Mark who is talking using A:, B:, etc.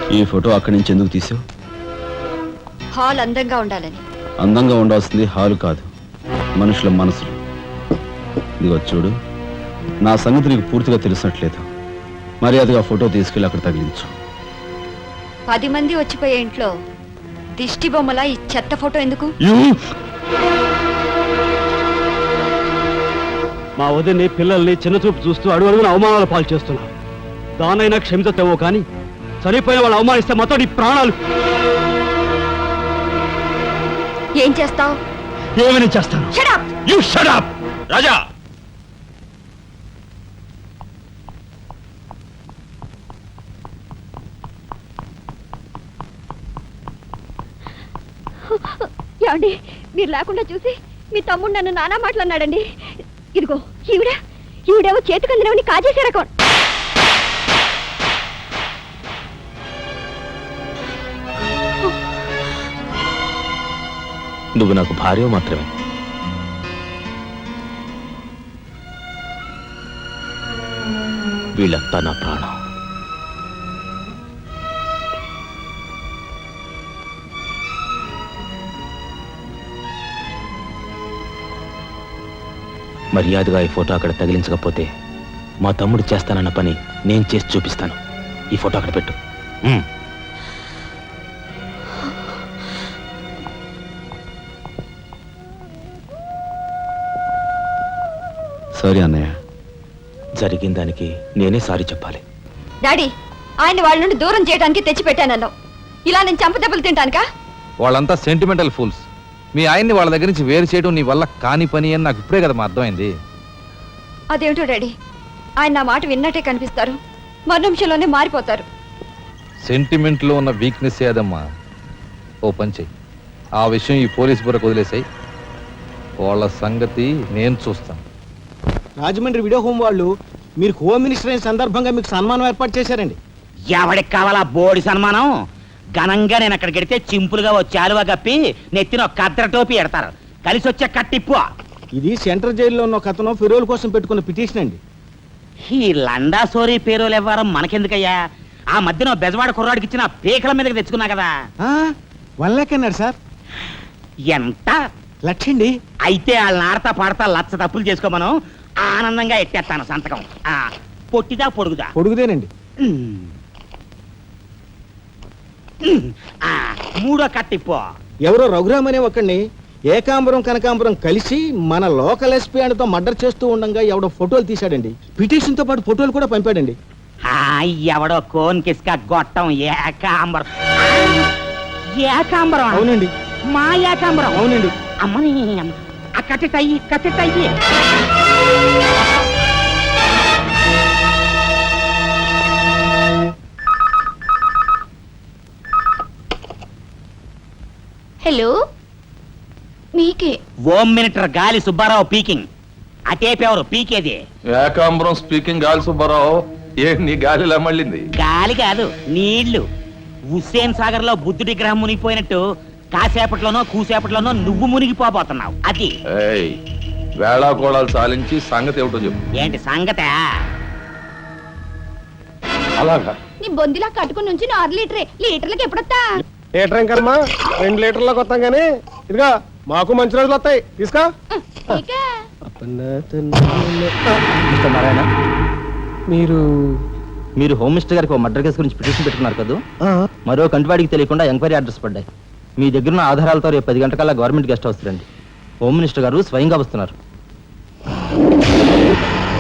A: ఈ ఫోటో అక్కడి నుంచి ఎందుకు తీసావు?
B: హాల్ అందంగా ఉండాలని.
A: అందంగా ఉండాల్సింది హాలు కాదు, మనుషుల మనసులు. ఇదిగో చూడు, నా సంగతి నీకు పూర్తిగా తెలిసినట్లేదు. మర్యాదగా ఫోటో తీసుకెళ్ళి అక్కడ తగిలించు.
B: 10 మంది వచ్చిపోయే ఇంట్లో దిష్టి బొమ్మల ఈ చెత్త ఫోటో ఎందుకు?
C: మా వదిని పిల్లల్ని చిన్నచూపు చూస్తూ అడుగున అవమానాలు పాలు చేస్తున్నారు. దానైనా క్షమితేమో కానీ చనిపోయిన వాళ్ళు అవమానిస్తే మొత్తం నీ ప్రాణాలు.
B: ఏం చేస్తావు?
C: ఏమని చేస్తాను?
A: You shut up! రాజా,
B: ఏమండి, మీరు లేకుండా చూసి మీ తమ్ముడు నన్ను నానా మాట్లాడినాడండి. ఇదిగో ఈవిడేమో చేతికి అందినవని కాజేసే రకం.
A: నువ్వు నాకు భార్య మాత్రమే. వీళ్ళంతా నా ప్రాణం. మర్యాదగా ఈ ఫోటో అక్కడ తగిలించకపోతే మా తమ్ముడు చేస్తానన్న పని నేను చేసి చూపిస్తాను. ఈ ఫోటో అక్కడ పెట్టు. సారీ అన్నయ్య, జరిగిన దానికి నేనే సారీ చెప్పాలి.
B: డాడీ, ఆయన వాళ్ళ నుండి దూరం చేయడానికి తెచ్చిపెట్టానన్నావు. ఇలా నేను చంపదెబ్బలు తింటానుకా?
D: వాళ్ళంతా సెంటిమెంటల్ ఫూల్స్. మీ ఆయన్ని వాళ్ళ దగ్గర నుంచి వేరు చేయడం నీ వల్ల కాని పని అని నాకు ఇప్పుడే కదా మా అర్థమైంది.
B: అదేమిటో డాడీ, ఆయన నా మాట విన్నట్టే కనిపిస్తారు, మరు నిమిషంలోనే మారిపోతారు.
D: సెంటిమెంట్లో ఉన్న వీక్నెస్ ఏదమ్మా. ఓ పని చెయ్యి, ఆ విషయం ఈ పోలీస్ బుర్రకు వదిలేసాయి. వాళ్ళ సంగతి నేను చూస్తాను.
E: రాజమండ్రి వీడియో హోమ్ వాళ్ళు మీరు హోమ్ మినిస్టర్ అయిన సందర్భంగా మీకు సన్మానం ఏర్పాటు చేశారండి.
F: ఎవడికి కావాలా బోడి సన్మానం? ఘనంగా నేను అక్కడికి వెడితే చింపులుగా ఓ చాలువా కప్పి నెత్తిన ఒక కద్ర టోపీ ఎడతారు. కలిసి వచ్చే కట్టిప్పు.
E: ఇది సెంట్రల్ జైల్లో ఉన్న ఒక అతను ఫిరోల్ కోసం పెట్టుకున్న పిటిషన్ అండి.
F: ఈ లండా సోరీ పేరోలు ఇవ్వడం మనకెందుకయ్యా? ఆ మధ్యన బెజవాడ కుర్రాడికి ఇచ్చిన పీకల మీదకి తెచ్చుకున్నా కదా.
E: 1 lakh అన్నాడు సార్.
F: ఎంత?
E: 1,00,000 అండి.
F: అయితే వాళ్ళని ఆడతా పాడతా లచ్చ తప్పులు చేసుకోమను. ఆనందంగా ఎట్టేస్తాను సంతకం. పొట్టిదా పొడుగుదా?
E: పొడుగుదేనండి.
F: మూడో కట్టిప్పు.
E: ఎవరో రఘురామ్ అనే ఒకడిని ఏకాంబరం కనకాంబరం కలిసి మన లోకల్ ఎస్పీ అండ్తో మర్డర్ చేస్తూ ఉండగా ఎవడో ఫోటోలు తీశాడండి. పిటిషన్ తో పాటు ఫోటోలు కూడా పంపాడండి.
F: ఎవడో కోన్ కిస్క గొట్టం ఏకాంబరం. ఏకాంబరం?
E: అవునండి.
F: మా ఏకాంబరం?
E: అవునండి.
F: అమ్మని కట్టెటయ్యి కట్టెటయ్యి.
B: హలో, మీకే.
F: ఓం మినిటర్ గాలి సుబ్బారావు పీకింగ్. అటేపెవరు పీకేది?
D: ఏకాంబరం స్పీకింగ్. గాలి సుబ్బారావు, ఏ నీ గాలిలా మళ్ళింది?
F: గాలి కాదు, నీళ్లు. హుస్సేన్ సాగర్ లో బుద్ధుడి గ్రహం మునిగిపోయినట్టు కాసేపట్లోనో కూసేపట్లోనో నువ్వు మునిగిపోబోతున్నావు. అది
D: వేళాకోళాలు సాలించి సంగతి ఏమిటో చెప్పు.
F: ఏంటి సంగత?
D: అలాగా
B: నీ బొందిలా కట్టుకుని నుంచి 6 లీటరే. లీటర్లకి ఎప్పుడొస్తా?
E: లీటర్ ఇంకమ్మా 2 లీటర్లకు వస్తాం కానీ ఇదిగా మాకు మంచి రోజులు వస్తాయి. తీసుకో.
A: మీరు హోమ్ మినిస్టర్ గారికి మర్డర్ కేసు గురించి పిటిషన్ పెట్టుకున్నారు కదా. మరో కంటివాడికి తెలియకుండా ఎంక్వైరీ అడ్రస్ పడ్డాయి. మీ దగ్గరున్న ఆధారాలతో రేపు 10 గంటకల్లా గవర్నమెంట్ గెస్ట్ హౌస్ రండి. హోమ్ మినిస్టర్ గారు స్వయంగా వస్తున్నారు.